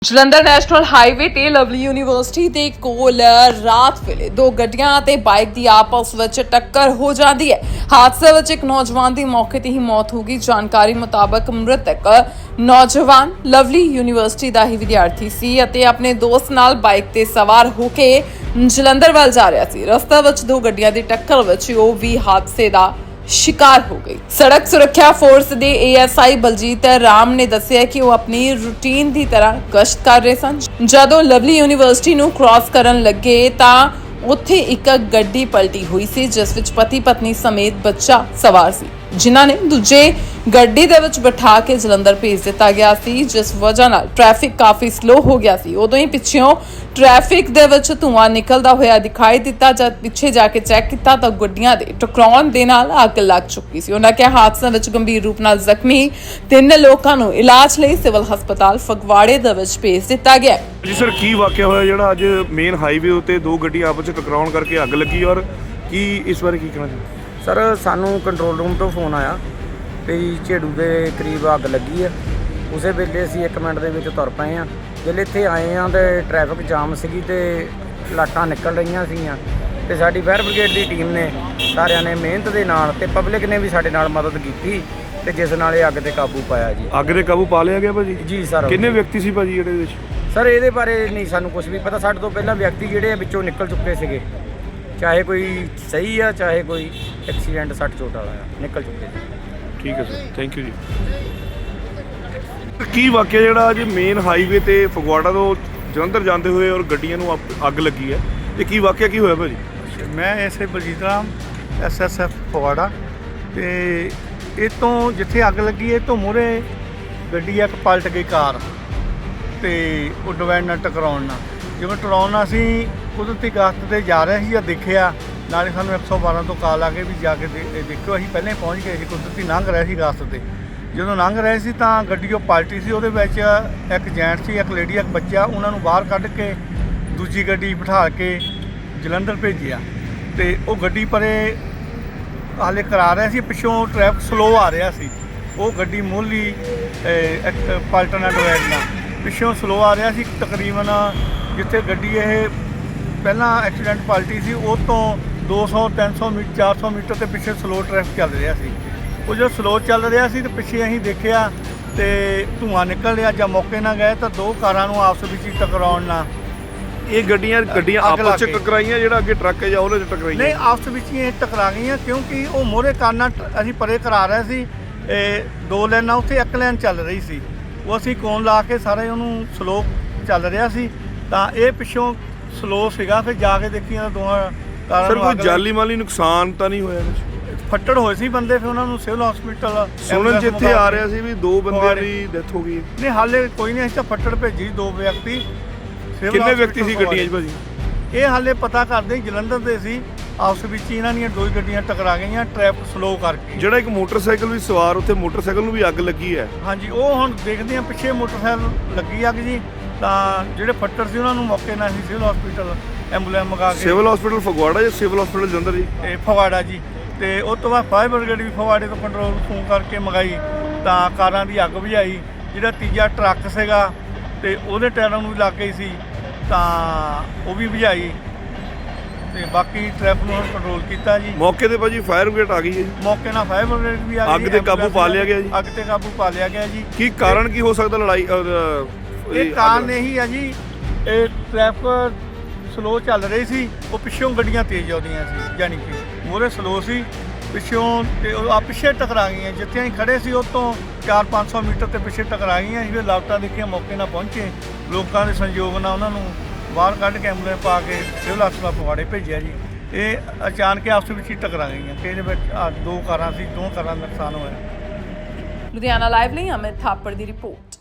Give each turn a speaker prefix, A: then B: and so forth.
A: Jalandhar national highway ਤੇ lovely university ਦੇ ਕੋਲ ਰਾਤ ਵੇਲੇ ਦੋ ਗੱਡੀਆਂ ਤੇ ਬਾਈਕ ਦੀ ਆਪਸ ਵਿੱਚ ਟੱਕਰ ਹੋ ਜਾਂਦੀ ਹੈ। ਹਾਦਸੇ ਵਿੱਚ ਇੱਕ ਨੌਜਵਾਨ ਦੀ ਮੌਕੇ ਤੇ ਹੀ ਮੌਤ ਹੋ ਗਈ। ਜਾਣਕਾਰੀ ਮੁਤਾਬਕ ਮ੍ਰਿਤਕ ਨੌਜਵਾਨ ਲਵਲੀ ਯੂਨੀਵਰਸਿਟੀ ਦਾ ਹੀ ਵਿਦਿਆਰਥੀ ਸੀ ਅਤੇ ਆਪਣੇ ਦੋਸਤ ਨਾਲ ਬਾਈਕ ਤੇ ਸਵਾਰ ਹੋ ਕੇ ਜਲੰਧਰ ਵੱਲ ਜਾ ਰਿਹਾ ਸੀ। ਰਸਤੇ ਵਿੱਚ ਦੋ ਗੱਡੀਆਂ ਦੀ ਟੱਕਰ ਵਿੱਚ ਉਹ ਵੀ ਹਾਦਸੇ ਦਾ शिकार हो गई। सड़क सुरक्षा फोर्स ਦੇ ASI ਬਲਜੀਤ ਰਾਮ ਨੇ ਦੱਸਿਆ ਕਿ ਉਹ ਆਪਣੀ ਰੂਟੀਨ ਦੀ ਤਰ੍ਹਾਂ ਗਸ਼ਤ ਕਰ ਰਹੇ ਸਨ। ਜਦੋਂ ਲਵਲੀ ਯੂਨੀਵਰਸਿਟੀ ਨੂੰ ਕ੍ਰਾਸ ਕਰਨ ਲੱਗੇ ਤਾਂ ਉੱਥੇ ਇੱਕ ਗੱਡੀ ਪਲਟੀ ਹੋਈ ਸੀ ਜਿਸ ਵਿੱਚ ਪਤੀ ਪਤਨੀ ਸਮੇਤ ਬੱਚਾ ਸਵਾਰ ਸੀ, ਜਿਨ੍ਹਾਂ ਨੇ ਦੂਜੇ ਗੱਡੀ ਦੇ ਵਿੱਚ ਬਿਠਾ ਕੇ ਜਲੰਧਰ ਭੇਜ ਦਿੱਤਾ ਗਿਆ ਸੀ, ਜਿਸ ਵਜ੍ਹਾ ਨਾਲ ਟ੍ਰੈਫਿਕ ਕਾਫੀ ਸਲੋ ਹੋ ਗਿਆ ਸੀ। ਉਦੋਂ ਹੀ ਪਿੱਛੋਂ ਟ੍ਰੈਫਿਕ ਦੇ ਵਿੱਚ ਧੂਆਂ ਨਿਕਲਦਾ ਹੋਇਆ ਦਿਖਾਈ ਦਿੱਤਾ। ਜਦ ਪਿੱਛੇ ਜਾ ਕੇ ਚੈੱਕ ਕੀਤਾ ਤਾਂ ਗੱਡੀਆਂ ਦੇ ਟਕਰਾਉਣ ਦੇ ਨਾਲ ਅੱਗ ਲੱਗ ਚੁੱਕੀ ਸੀ। ਉਹਨਾਂ ਕਿਹਾ ਹਾਦਸੇ ਵਿੱਚ ਗੰਭੀਰ ਰੂਪ ਨਾਲ ਜ਼ਖਮੀ 3 ਲੋਕਾਂ ਨੂੰ ਇਲਾਜ ਲਈ ਸਿਵਲ ਹਸਪਤਾਲ ਫਗਵਾੜੇ ਦੇ ਵਿੱਚ ਭੇਜ ਦਿੱਤਾ ਗਿਆ।
B: ਜੀ ਸਰ, ਕੀ ਵਾਕਿਆ ਹੋਇਆ ਜਿਹੜਾ ਅੱਜ ਮੇਨ ਹਾਈਵੇ ਉੱਤੇ ਦੋ ਗੱਡੀਆਂ ਆਪਸ ਵਿੱਚ ਟਕਰਾਉਣ ਕਰਕੇ ਅੱਗ ਲੱਗੀ ਔਰ ਕੀ ਇਸ ਬਾਰੇ ਕੀ ਕਹਿਣਾ ਚਾਹੁੰਦੇ?
C: ਸਰ, ਸਾਨੂੰ ਕੰਟਰੋਲ ਰੂਮ ਤੋਂ ਫੋਨ ਆਇਆ ਵੀ ਝੇੜੂ ਦੇ ਕਰੀਬ ਅੱਗ ਲੱਗੀ ਆ। ਉਸੇ ਵੇਲੇ ਅਸੀਂ 1 ਮਿੰਟ ਦੇ ਵਿੱਚ ਤੁਰ ਪਏ ਆ। ਜਦੋਂ ਇੱਥੇ ਆਏ ਆ ਤੇ ਟ੍ਰੈਫਿਕ ਜਾਮ ਸੀਗੀ ਤੇ ਲਾਟਾਂ ਨਿਕਲ ਰਹੀਆਂ ਸੀਗੀਆਂ ਤੇ ਸਾਡੀ ਫਾਇਰ ਬ੍ਰਿਗੇਡ ਦੀ ਟੀਮ ਨੇ ਸਾਰਿਆਂ ਨੇ ਮਿਹਨਤ ਦੇ ਨਾਲ ਤੇ ਪਬਲਿਕ ਨੇ ਵੀ ਸਾਡੇ ਨਾਲ ਮਦਦ ਕੀਤੀ ਤੇ ਜਿਸ ਨਾਲ ਇਹ ਅੱਗ ਤੇ ਕਾਬੂ ਪਾਇਆ ਜੀ।
B: ਅੱਗ ਦੇ ਕਾਬੂ ਪਾ ਲਿਆ ਗਿਆ ਭਾਜੀ?
C: ਜੀ ਸਰ।
B: ਕਿੰਨੇ ਵਿਅਕਤੀ ਸੀ ਭਾਜੀ ਜਿਹੜੇ ਵਿੱਚ?
C: ਸਰ, ਇਹਦੇ ਬਾਰੇ ਨਹੀਂ ਸਾਨੂੰ ਕੁਝ ਵੀ ਪਤਾ। ਸਾਡੇ ਤੋਂ ਪਹਿਲਾਂ ਵਿਅਕਤੀ ਜਿਹੜੇ ਵਿੱਚੋਂ ਨਿਕਲ ਚੁੱਕੇ ਸੀਗੇ, ਚਾਹੇ ਕੋਈ ਸਹੀ ਆ ਚਾਹੇ ਕੋਈ ਐਕਸੀਡੈਂਟ ਸੱਟ ਚੋਟ ਵਾਲਾ ਆ, ਨਿਕਲ ਚੁੱਕੇ ਸੀ।
B: ਠੀਕ ਹੈ ਸਰ, ਥੈਂਕ ਯੂ ਜੀ। ਕੀ ਵਾਕਿਆ ਜਿਹੜਾ ਅੱਜ ਮੇਨ ਹਾਈਵੇ ਤੇ ਫਗਵਾੜਾ ਤੋਂ ਜਲੰਧਰ ਜਾਂਦੇ ਹੋਏ ਔਰ ਗੱਡੀਆਂ ਨੂੰ ਅੱਗ ਲੱਗੀ ਹੈ, ਇਹ ਕੀ ਵਾਕਿਆ ਕੀ ਹੋਇਆ ਭਾਜੀ?
D: ਮੈਂ ਐਸਏ ਬਲਜੀਤ ਰਾਮ SSF ਫਗਵਾੜਾ ਤੇ ਇਹ ਤੋਂ ਜਿੱਥੇ ਅੱਗ ਲੱਗੀ ਇਹ ਤੋਂ ਮੂਹਰੇ ਗੱਡੀ ਇੱਕ ਪਲਟ ਗਈ ਕਾਰ ਤੇ ਉਹ ਡਿਵਾਈਡਰ ਨਾਲ ਟਕਰਾਉਣ ਨਾਲ। ਜਿਵੇਂ ਟਕਰਾਉਣ ਨਾਲ ਅਸੀਂ ਕੁਦਰਤੀ ਗਸ਼ਤ ਤੇ ਜਾ ਰਹੇ ਸੀ ਜਾਂ ਦੇਖਿਆ, ਨਾਲੇ ਸਾਨੂੰ 112 ਤੋਂ ਕਾਲ ਆ ਕੇ ਵੀ ਜਾ ਕੇ ਦੇਖਿਓ। ਅਸੀਂ ਪਹਿਲਾਂ ਹੀ ਪਹੁੰਚ ਗਏ ਸੀ, ਕੁਦਰਤੀ ਲੰਘ ਰਹੇ ਸੀ ਗਸ਼ਤ ਤੇ। ਜਦੋਂ ਲੰਘ ਰਹੇ ਸੀ ਤਾਂ ਗੱਡੀ ਉਹ ਪਲਟੀ ਸੀ। ਉਹਦੇ ਵਿੱਚ ਇੱਕ ਜੈਂਟ ਸੀ, ਇੱਕ ਲੇਡੀ, ਇੱਕ ਬੱਚਾ। ਉਹਨਾਂ ਨੂੰ ਬਾਹਰ ਕੱਢ ਕੇ ਦੂਜੀ ਗੱਡੀ ਬਿਠਾ ਕੇ ਜਲੰਧਰ ਭੇਜਿਆ ਤੇ ਉਹ ਗੱਡੀ ਪਰੇ ਹਾਲੇ ਕਰਾ ਰਿਹਾ ਸੀ। ਪਿੱਛੋਂ ਟ੍ਰੈਫਿਕ ਸਲੋ ਆ ਰਿਹਾ ਸੀ। ਉਹ ਗੱਡੀ ਮੋਹਲੀ ਪਲਟਣਾ ਡਿਵਾਈਡਰ ਨਾਲ ਪਿੱਛੋਂ ਸਲੋ ਆ ਰਿਹਾ ਸੀ। ਤਕਰੀਬਨ ਜਿੱਥੇ ਗੱਡੀ ਇਹ ਪਹਿਲਾਂ ਐਕਸੀਡੈਂਟ ਪਲਟੀ ਸੀ ਉਹ ਤੋਂ 200 300 ਮੀਟਰ 400 ਮੀਟਰ ਤੇ ਪਿੱਛੇ ਸਲੋ ਟ੍ਰੈਫਿਕ ਚੱਲ ਰਿਹਾ ਸੀ। ਉਹ ਜਦੋਂ ਸਲੋ ਚੱਲ ਰਿਹਾ ਸੀ ਤੇ ਪਿੱਛੇ ਅਸੀਂ ਦੇਖਿਆ ਤੇ ਧੂੰਆਂ ਨਿਕਲ ਰਿਹਾ। ਜਾਂ ਮੌਕੇ ਨਾਲ ਗਏ ਤਾਂ ਦੋ ਕਾਰਾਂ ਨੂੰ ਆਪਸ ਵਿੱਚ ਹੀ ਟਕਰਾਉਣ ਨਾਲ
B: ਇਹ ਗੱਡੀਆਂ ਆਪਸ ਵਿੱਚ ਟਕਰਾਈਆਂ, ਜਿਹੜਾ ਅੱਗੇ ਟਰੱਕ ਹੈ ਜਾਂ ਉਹਦੇ 'ਚ ਟਕਰਾਈਆਂ?
D: ਨਹੀਂ, ਆਪਸ ਵਿੱਚ ਹੀ ਇਹ ਟਕਰਾ ਗਈਆਂ ਕਿਉਂਕਿ ਉਹ ਮੋਹਰੇ ਕਾਰਾਂ ਅਸੀਂ ਪਰੇ ਕਰਾ ਰਹੇ ਸੀ। ਦੋ ਲਾਈਨਾਂ ਉੱਥੇ ਇੱਕ ਲਾਈਨ ਚੱਲ ਰਹੀ ਸੀ, ਉਹ ਅਸੀਂ ਕੋਨ ਲਾ ਕੇ ਸਾਰੇ ਉਹਨੂੰ ਸਲੋ ਚੱਲ ਰਿਹਾ ਸੀ ਤਾਂ ਇਹ ਪਿੱਛੋਂ ਸਲੋ ਸੀਗਾ। ਫਿਰ ਜਾ ਕੇ ਦੇਖੀਆਂ ਦੋਹਾਂ ਕਾਰਾਂ ਨੂੰ।
B: ਸਰ, ਕੋਈ ਜਾਨੀ ਮਾਲੀ ਨੁਕਸਾਨ ਤਾਂ ਨਹੀਂ ਹੋਇਆ?
D: ਫੱਟੜ ਹੋਏ ਸੀ ਬੰਦੇ, ਫਿਰ ਉਹਨਾਂ ਨੂੰ ਸਿਵਲ ਹਸਪੀਟਲ
B: ਸੁਣਨ ਜਿੱਥੇ ਆ ਰਿਹਾ ਸੀ ਵੀ 2 ਬੰਦਿਆਂ ਦੀ ਡੈਥ ਹੋ ਗਈ।
D: ਨਹੀਂ, ਹਾਲੇ ਕੋਈ ਨਹੀਂ। ਅਸੀਂ ਤਾਂ ਫੱਟੜ ਭੇਜੀ 2 ਵਿਅਕਤੀ।
B: ਕਿੰਨੇ ਵਿਅਕਤੀ ਸੀ ਗੱਡੀਆਂ 'ਚ ਭਾਜੀ?
D: ਇਹ ਹਾਲੇ ਪਤਾ ਕਰਦੇ ਜਲੰਧਰ ਦੇ ਸੀ। ਆਪਸ ਵਿੱਚ ਹੀ ਇਹਨਾਂ ਦੀਆਂ 2 ਗੱਡੀਆਂ ਟਕਰਾ ਗਈਆਂ ਟ੍ਰੈਫਿਕ ਸਲੋ ਕਰਕੇ।
B: ਜਿਹੜਾ ਇੱਕ ਮੋਟਰਸਾਈਕਲ ਵੀ ਸਵਾਰ, ਉੱਥੇ ਮੋਟਰਸਾਈਕਲ ਨੂੰ ਵੀ ਅੱਗ ਲੱਗੀ ਹੈ?
D: ਹਾਂਜੀ, ਉਹ ਹੁਣ ਦੇਖਦੇ ਆ। ਪਿੱਛੇ ਮੋਟਰਸਾਈਕਲ ਲੱਗੀ ਅੱਗ ਜੀ। ਤਾਂ ਜਿਹੜੇ ਫੱਟੜ ਸੀ ਉਹਨਾਂ ਨੂੰ ਮੌਕੇ ਨਾਲ ਅਸੀਂ ਸਿਵਲ ਹਸਪੀਟਲ ਐਂਬੂਲੈਂਸ ਮੰਗਾ ਕੇ।
B: ਸਿਵਲ ਹਸਪੀਟਲ ਫਗਵਾੜਾ ਜਾਂ ਸਿਵਲ ਹਸਪੀਟਲ ਜਲੰਧਰ ਜੀ?
D: ਇਹ ਫਗਵਾੜਾ ਜੀ। ਤੇ ਉਸ ਤੋਂ ਬਾਅਦ ਫਾਇਰ ਬ੍ਰਿਗੇਡ ਵੀ ਫਗਵਾੜੇ ਤੋਂ ਕੰਟਰੋਲ ਫੋਨ ਕਰਕੇ ਮੰਗਾਈ ਤਾਂ ਕਾਰਾਂ ਦੀ ਅੱਗ ਬੁਝਾਈ। ਜਿਹੜਾ ਤੀਜਾ ਟਰੱਕ ਸੀਗਾ ਤੇ ਉਹਦੇ ਟਾਇਰਾਂ ਨੂੰ ਵੀ ਲੱਗ ਗਈ ਸੀ ਤਾਂ ਉਹ ਵੀ ਬੁਝਾਈ ਤੇ ਬਾਕੀ ਟ੍ਰੈਫਿਕ ਨੂੰ ਕੰਟਰੋਲ ਕੀਤਾ ਜੀ।
B: ਮੌਕੇ ਤੇ ਭਾਜੀ ਫਾਇਰ ਬ੍ਰਿਗੇਡ ਆ ਗਈ ਹੈ ਜੀ?
D: ਮੌਕੇ ਨਾਲ ਫਾਇਰ ਬ੍ਰਿਗੇਡ ਵੀ ਆ ਗਈ।
B: ਅੱਗ ਤੇ ਕਾਬੂ ਪਾ ਲਿਆ ਗਿਆ ਜੀ?
D: ਅੱਗ ਤੇ ਕਾਬੂ ਪਾ ਲਿਆ ਗਿਆ ਜੀ।
B: ਕੀ ਕਾਰਨ ਕੀ ਹੋ ਸਕਦਾ ਲੜਾਈ?
D: ਇਹ ਕਾਰਨ ਇਹੀ ਆ ਜੀ, ਇਹ ਟ੍ਰੈਫਿਕ ਸਲੋ ਚੱਲ ਰਹੀ ਸੀ। ਉਹ ਪਿੱਛੋਂ ਗੱਡੀਆਂ ਤੇਜ਼ ਆਉਂਦੀਆਂ ਸੀ, ਯਾਨੀ ਕਿ ਮੂਹਰੇ ਸਲੋ ਸੀ ਪਿੱਛੋਂ ਤੇ ਉਹ ਪਿੱਛੇ ਟਕਰਾ ਗਈਆਂ। ਜਿੱਥੇ ਅਸੀਂ ਖੜੇ ਸੀ ਉਹ ਤੋਂ 400-500 ਮੀਟਰ ਤੇ ਪਿੱਛੇ ਟਕਰਾ ਗਈਆਂ। ਅਸੀਂ ਲਾਪਤਾ ਦੇਖੀਆਂ, ਮੌਕੇ ਨਾਲ ਪਹੁੰਚੇ, ਲੋਕਾਂ ਦੇ ਸੰਯੋਗ ਨਾਲ ਉਹਨਾਂ ਨੂੰ ਬਾਹਰ ਕੱਢ ਕੇ ਐਂਬੂਲੈਂਸ ਪਾ ਕੇ ਸਿਵਲ ਹਸਪਤਾਲ ਫਗਵਾੜੇ ਭੇਜਿਆ ਜੀ। ਇਹ ਅਚਾਨਕ ਆਪਸ ਵਿੱਚ ਹੀ ਟਕਰਾ ਗਈਆਂ ਕਿ ਇਹਦੇ ਵਿੱਚ 2 ਕਾਰਾਂ ਸੀ, 2 ਕਾਰਾਂ ਦਾ ਨੁਕਸਾਨ ਹੋਇਆ।
A: ਲੁਧਿਆਣਾ ਲਾਈਵ ਲਈ ਅਮਿਤ ਥਾਪੜ ਦੀ ਰਿਪੋਰਟ।